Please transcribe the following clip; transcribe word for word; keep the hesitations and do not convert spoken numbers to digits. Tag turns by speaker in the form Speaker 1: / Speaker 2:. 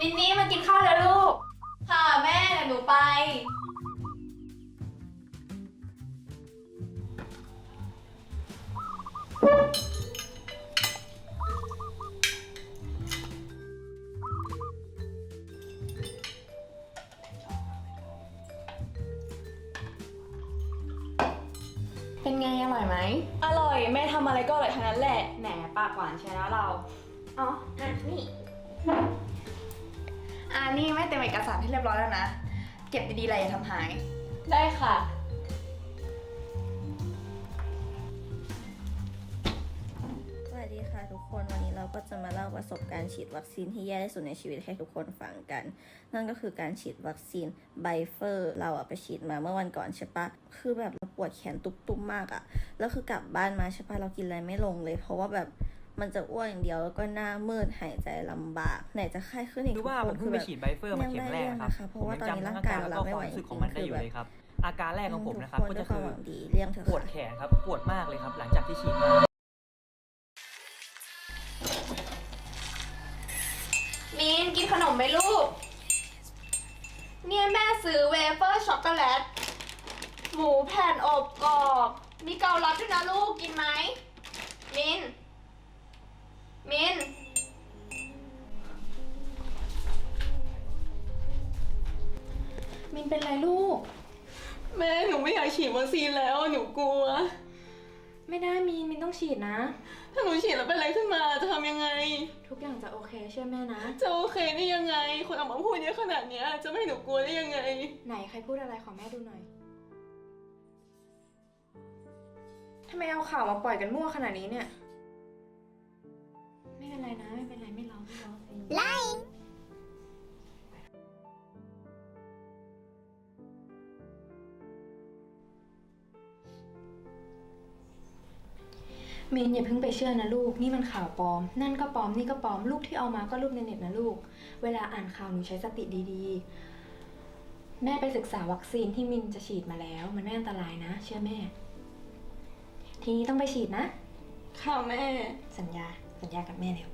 Speaker 1: มินนี่มากินข้าวแล้วลูกค่ะแม่เดี๋ยวหนูไปเป็นไงอร่อยไหม
Speaker 2: อร่อยแม่ทำอะไรก็อร่อยทั้งนั้นแหละ
Speaker 1: แหมปากหวานใช่แล้วเราอ๋ออ่ะนี่อ่านี่แม่เต็มเอกสารที่เรียบร้อยแล้วนะเก็บดีๆเลยอย่าทำหาย
Speaker 2: ได้ค่ะ
Speaker 3: สวัสดีค่ะทุกคนวันนี้เราก็จะมาเล่าประสบการณ์ฉีดวัคซีนที่แย่ที่สุดในชีวิตให้ทุกคนฟังกันนั่นก็คือการฉีดวัคซีนไบเฟอร์เราอะไปฉีดมาเมื่อวันก่อนใช่ปะคือแบบเราปวดแขนตุบๆมากอะแล้วคือกลับบ้านมาใช่ปะเรากินอะไรไม่ลงเลยเพราะว่าแบบมันจะอ้วนอย่างเดียวแล้วก็หน้ามืดหายใจลำบากไหนจะไข้ขึ้นอีก
Speaker 4: คือว่าผมเพิ่งไปฉีดไบเฟอร์มาเข็มแรกครับ
Speaker 3: เพราะว่าตอนนี้ร่างกายเรารับไม่ไหวจริงๆ
Speaker 4: ของมันได้อยู่เลยครับอาการแรกของผมนะครับก็จะคือปวดแขนครับปวดมากเลยครับหลังจากที่ฉีดมา
Speaker 1: มีนกินขนมไหมลูกเนี่ยแม่ซื้อเวเฟอร์ช็อกโกแลตหมูแผ่นอบกรอบมีเกาลัดด้วยนะลูกกินไหมมินมินมินเป็นไรลูก
Speaker 2: แม่หนูไม่อยากฉีดวัคซีนแล้วหนูกลัว
Speaker 1: ไม่ได้มินมินต้องฉีดนะ
Speaker 2: ถ้าหนูฉีดแล้วเป็นอะไรขึ้นมาจะทำยังไง
Speaker 1: ทุกอย่างจะโอเคเชื่อแม่นะ
Speaker 2: จะโอเคได้ยังไงคนออกมาพูดเยอะขนาดนี้จะไม่ให้หนูกลัวได้ยังไง
Speaker 1: ไหนใครพูดอะไรขอแม่ดูหน่อยทำไมเอาข่าวมาปล่อยกันมั่วขนาดนี้เนี่ยไม่เป็นไรนะไม่เป็นไรไม่ร้องไม่ร้องไล่มินอย่าเพิ่งไปเชื่อนะลูกนี่มันข่าวปลอมนั่นก็ปลอมนี่ก็ปลอมรูปที่เอามาก็รูปในเน็ตนะลูกเวลาอ่านข่าวหนูใช้สติดีๆแม่ไปศึกษาวัคซีนที่มินจะฉีดมาแล้วมันไม่อันตรายนะเชื่อแม่ทีนี้ต้องไปฉีดนะ
Speaker 2: ค่ะแม่
Speaker 1: สัญญาสัญญากับแม่แล้ว